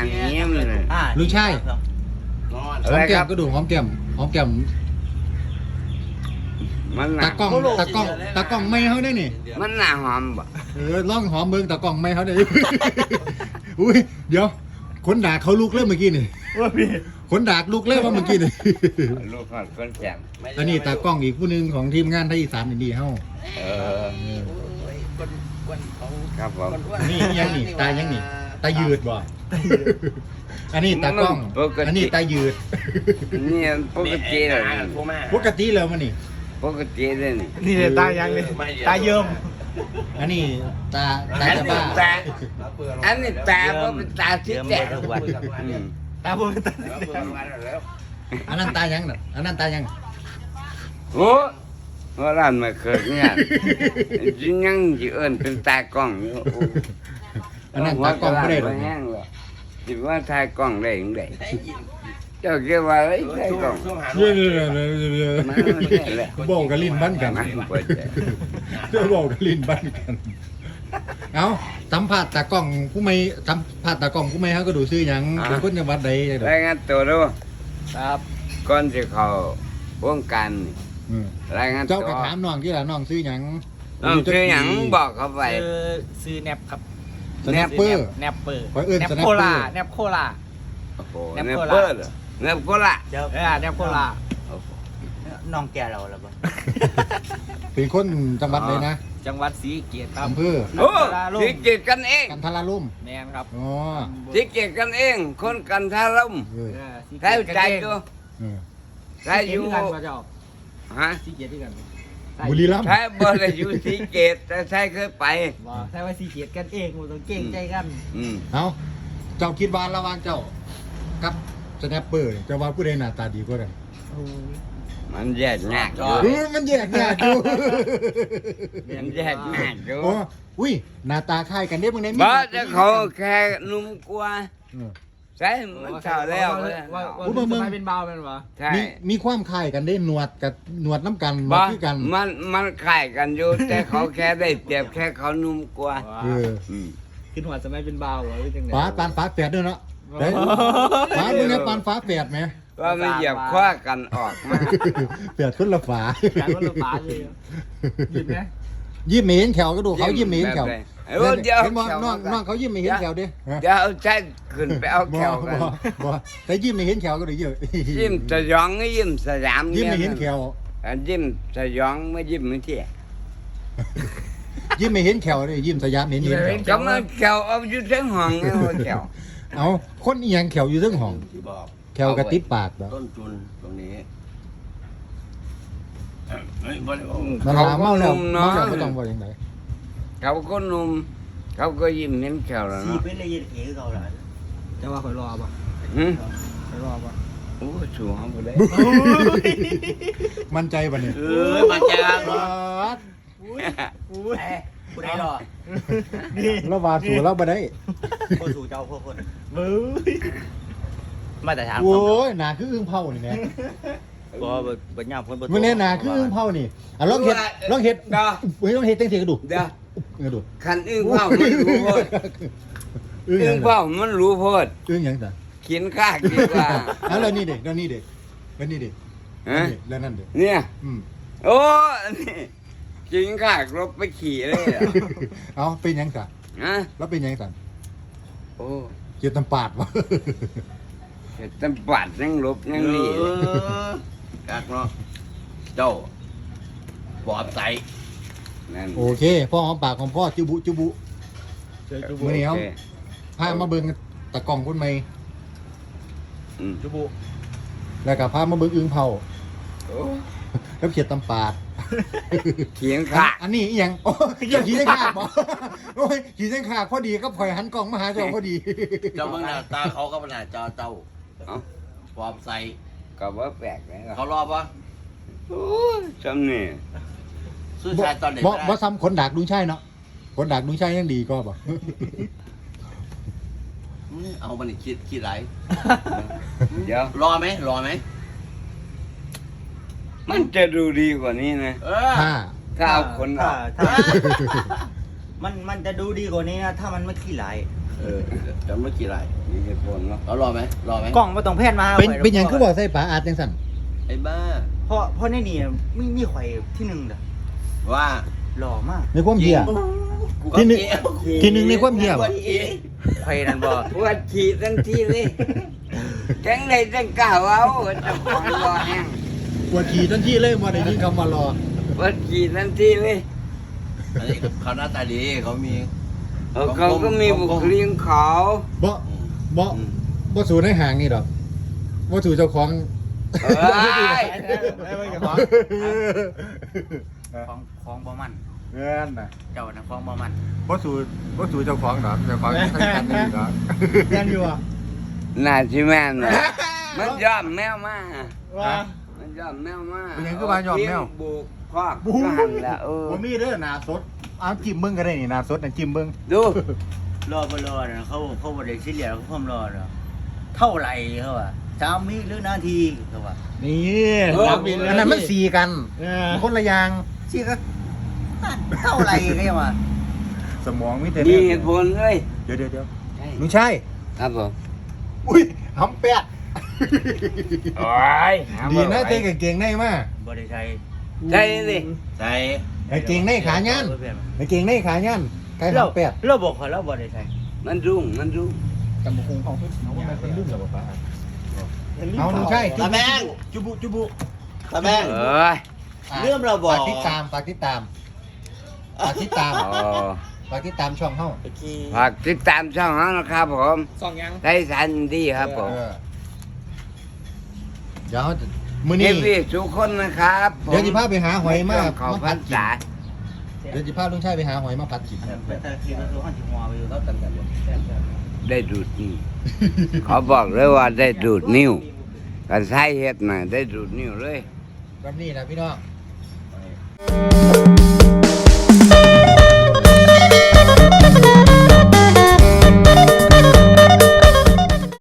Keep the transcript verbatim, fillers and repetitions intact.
างเงี้ยมันเลยลุงชายหอมแก้มก็ดูหอมแก้มหอมแก้มมันหตานักกล้องตากล้องตากล้องไม่เขาได้นี่มันหนาหอมบ่เออลองหอมเบิ่งตากล้องไม่เขาได้ อุ้ยเดี๋ยวคนด่าเขาลุกเริ่มเมื่อกี้นี่คนด่าลุกเริ่มว่าเมื่อกี้นี่ลูกคนคนแจ่มแล้วนี่ตากล้องอีกผู้หนึงของทีมงานไทยอีสานนี่ดีเฮาเออครับผมนี่ยังนี่ตายังนี่ตายืดบ่อันนี้ตากล้องอันนี้ตายืดนี่ปกติเลยปกติแล้วมันนี่ปกติเลยนี่นี่เลยตายังเลยตาเยิ้มอันนี้ตาตาจะบ้าตาอันนี้ตาเพราะเป็นตาที่แจ่มอืมตาผมเป็นตาอันนั้นตายังน่ะอันนั้นตายังโอ้ว่าร้านมาเกิดเนี่ยจริงยังจีเอิญเป็นตากล้องอยู่อันนั้นตากล้องไม่ได้หรอกแห้งหรอกจิว่าถ่ายกล้องได้ยังไงเจ้าเกี่ยวว่าไอ้ถ่ายกล้องเยอะๆมันไม่ใช่แหละๆบอกกับลิ้นบ้านกันมันเปิดใจเดี๋ยวบอกกับลิ้นบ้านกันเอาสัมภาษณ์ตากล้องผู้ไม่สัมภาษณ์ตากล้องผู้ไม่ฮะก็ดูซื้อหยังเป็นคนจังหวัดใดจังใดรายงานตัวดูครับก่อนจะเข้าวงการนี่อืมรายงานตัเจ้าว ก็ถามน้องที่ละน้องซื้อหยังน้องชื่อหยังบอกเขาไปซื้อซื้อแนบครับสแนปเปอร์แนบเปอร์ขอเอิ้นแนบสแนปโคเปอร์ลาแนบโคลาโอ้โหแนเนบปโคเปราอชร์เหรอเนปโคราชเออแนบโคลาน้องแกเราแล้วบ่เป็นคนจังหวัดใดนะจังหวัดศรีสะเกษครับอำเภอโอ้สิเกียรกันเองกันทราลุ่มแมนครับอ๋อสิเกียรกันเอง คนกันทาร่มเออเออศรีใครสะเกษใจตัวเออใครอยู่กันมาเจ้าฮะศรีสะเกษที่กันบุรีรัมย์ใครบ่ได้อยู่สิเกตแต่ใครเคยไปบ่ใช่ว่าศรีสะเกษกันเองมันต้องเก่งใจกันอืมเอาเจ้าคิดว่าระหว่างเจ้ากับสแนปเปอร์เจ้าว่าผู้ใดหน้าตาดีกว่ากันมันแยกยากอยู่เออมันแยกยากอยู่มันแยกยากอยู่โอ้อุ้ยหน้าตาคล้ายกันเด้มึงได้บ่จะเขาแค่นุ่มกว่าเออใช่มันเท่าแล้วว่าเลยว่าอุ๊ยว่ามึงจะไปเป็นเบาเป็นวะใช่มีมีความคล้ายกันได้หนวดกับหนวดน้ำกันบ่มาคือกันมันมันคล้ายกันอยู่ แต่เขาแค่ได้เปรียบแค่เขานุ่มกว่าเอออืมขึ้นหัวจะไม่เป็นเบาวะหรือจังไงฟ้าปานฟ้าแฝดด้วยเนาะเด้ยฟ้ามึงเนี่ยปานฟ้าแฝดไหมว่าไม่เหยียบคว้ากันออกมาแฝดคนละฝาการว่าเราฟ้าเลยยินไหมยิ้มไม่เห็นแขวก็ดูเขายิ้มไม่เห็นแขวแบบไหนเอ้ยเดี๋ยวเห็นบ่แขวน้องมาก่อนน้องเขายิ้มไม่เห็นแขวดิฮะเดี๋ยวเอาใช้ขึ้นไปเอาแขวกันบ่บ่แต่ยิ้มไม่เห็นแขวก็ดูเยอะยิ้มสยองก็ยิ้มสยามยิ้มไม่เห็นแขวอันยิ้มสยองไม่ยิ้มไม่เที่ยยิ้มไม่เห็นแขวเลยยิ้มสยามเห็นเห็นแขวก็มาแขวเอาอยู่ทั้งห้องไงว่าแขวเอาคนอีหยังแขวอยู่เรื่องห้องที่บอกแขวกระติดปากเหรอต้นจุนตรงนี้มันลาเมาแล้วเมาแล้วไม่ต้องบอกอย่างไรเขาก็นุ่มเขาก็ยิ้มเห็นแขวแล้วสีเนาะเป็นละเอียดเอ๋เขาหลานจะว่าคอยรอป่ะหึคอยรอป่ะโอ้สูงไปเลยมั่นใจปะเนี่ยเออมาจากบาดอุ้ยผู้ใดรอแล้ววาดสู่แล้วบ่ได้คนสู่เจ้าพวกคนมือมาแต่ถามโอ้ยหนาคืออึ้งเผานี่แหม่บ่บ่บ่ย่ามคนบ่มึงเนี่ยหนาคืออึ้งเผานี่อ่ะลองเฮ็ดลองเฮ็ดเดี๋ยวเฮ้ยลองเฮ็ดจังซี่ก็ดูเดี๋ยวกระดูคันอึ้งเผามันรู้โพดอึ้งหอึ้ยัง งเผามันรู้โพดอึ้งหยังจ้ะขินข้าคิดว่าอ่ะแล้วนี่เด็กแล้วนี่เด็กแล้วนี่เด็กฮะแล้วนั่นเด็กเนี่ยอืมโอ้นี่ขินข้ารบไปขี่เลยเหรอเอาเป็นหยังจ้ะฮะแล้วเป็นหยังจ้ะโอ้เกียรติตำปาดวะเห็ดตำปัดยังลบยังนี่เออกักเนาะเจ้าปอบใสนั่นโอเคพ่อหอมปากของพ่อจุบุจุบุเจอจุมื้บุอนี้โอเอาเคพามาเบิ่งตะกล่องคนใหม่อืมจุบุแล้วก็พามาเบิ่งอึ้งเผาโอ้แล้วเขียดตำปาดเขียนข้าอันนี้อีหยังโอ้ยอย่าขี่เส้นขาดบ่โอ้ยขี่เส้นขาดพอดีก็พลอยหันกล่องมาหาเจ้าพอดีเจ้าเบิ่งหน้าตาเขาก็บ่น่าเจ้าเจ้าเอ้าปอบใสก็ว่าแปลกเลยเขารอบ่โอ้ยจำนี่ซื้อชายตอนเด็กบ่ก็ได้บ่ซ้ำขนดากลุงชัยเนาะขนดากลุงชัยยังดีก็บ่อืมเอามันนี่คิดคิดไรเดี๋ยวรอไหมรอไหมมันจะดูดีกว่านี้นะเออถ้าถ้าเอาคนอถ้าอกถ้า มันมันจะดูดีกว่านี้นะ ถ้ามันไม่ขี้ไหลเเออจะไม่กี่ไรมีเหตุผลเนาะเอารอไหมรอไหมกล้องบ่ต้องแพนมาเป็นข่เป็นหยังคือบอกใส่ปลาอาดจังสั่นไอ้บ้าเพราะเพราะในนี่มีมีข่อยที่หนึ่งเด้อว่าหล่อมากในความเหี้ยกูที่หนึ่งก็เกลียดที่หนึ่งในความเหี้ยกูบ่ก็เกลียดข่อยนั่นบ่ปวดฉี่ทั้งที่เลยจังไดจังกล้าเอาเจะของรอแห้งปวดขี่ทันทีเลยมาได้ยินคำว่ารอปวดฉี่ทั้งที่เลยอันนี้เขาหน้าตาดีเขามีเออเขาก็มีบุคลิกของเขาบ่บ่บ่สู่ในห่างนี่ดอกบ่สู่เจ้าของเอ้ยของของบ่มันเงินน่ะเจ้าน่ะของบ่มันบ่สู่บ่สู่เจ้าของดอกเจ้าของทั้งกันนี่ดอกแม่นอยู่อ่ะน่าสิแม่นน่ะมันยอมแมวมาว่ามันยอมแมวมาเป็นหยังคือว่ายอมแมวเทียบุกคอกก็หันละเออบ่มีเด้อหน้าสดเอาจิ้มเบิ่งก็ได้นี่หน้าสดน่ะจิ้มเบิ่งดูรอบ่รอนะเขาเขาบ่ได้ซีเรียสเขาความรอเนาะเท่าไหร่เขาว่าสามวิหรือนาทีเขาว่านี่อันนั้นมันสีกันคนละอย่างสิก็เท่าไหร่เขาว่าสมองมีแต่มีเหตุผลเลยเดี๋ยวเดี๋ยวเดี๋ยวใช่ลุงชัยครับผมอุ้ยหำแปะโอ้ยดีนะเต้กางเกงในมาบ่ได้ใช้ใช่สิใส่กางเกงในขายันกางเกงในขายันไก่เราหำแปะเราบอกเขาเราบ่ได้ใช้มันรุ่งมันรุ่งจำบุคงของเพิ่นเอาว่ามันเป็นรุ่นเหรอป้าเอาลุงชัยตาแมงจุบุจุบุตาแมงเอ้ยเรื่องเราบอกฝากติดตามฝากติดตามฝากติดตามอ๋อฝากติดตามช่องเฮาฝากติดตามช่องเขานะครับผมสองยังได้สันดีครับผมเออเดี๋ยวมื้อเอนี้ฟซีทุกคนนะครับผมเดี๋ยวสิพาไปหาหอยมาขอมาพัผันดกินษาเดี๋ยวสิพาลุงชัยไปหาหอยมาผัดกินแต่ทีก็คือหันสิหัวไปอยู่เราตันกันหมดได้ดูดนิ้วเขาบอกเลยว่าได้ดูดนิ้วกันใช้เฮ็ดน่ะได้ดูดนิ้วเลยแบบนี้นะพี่น้อง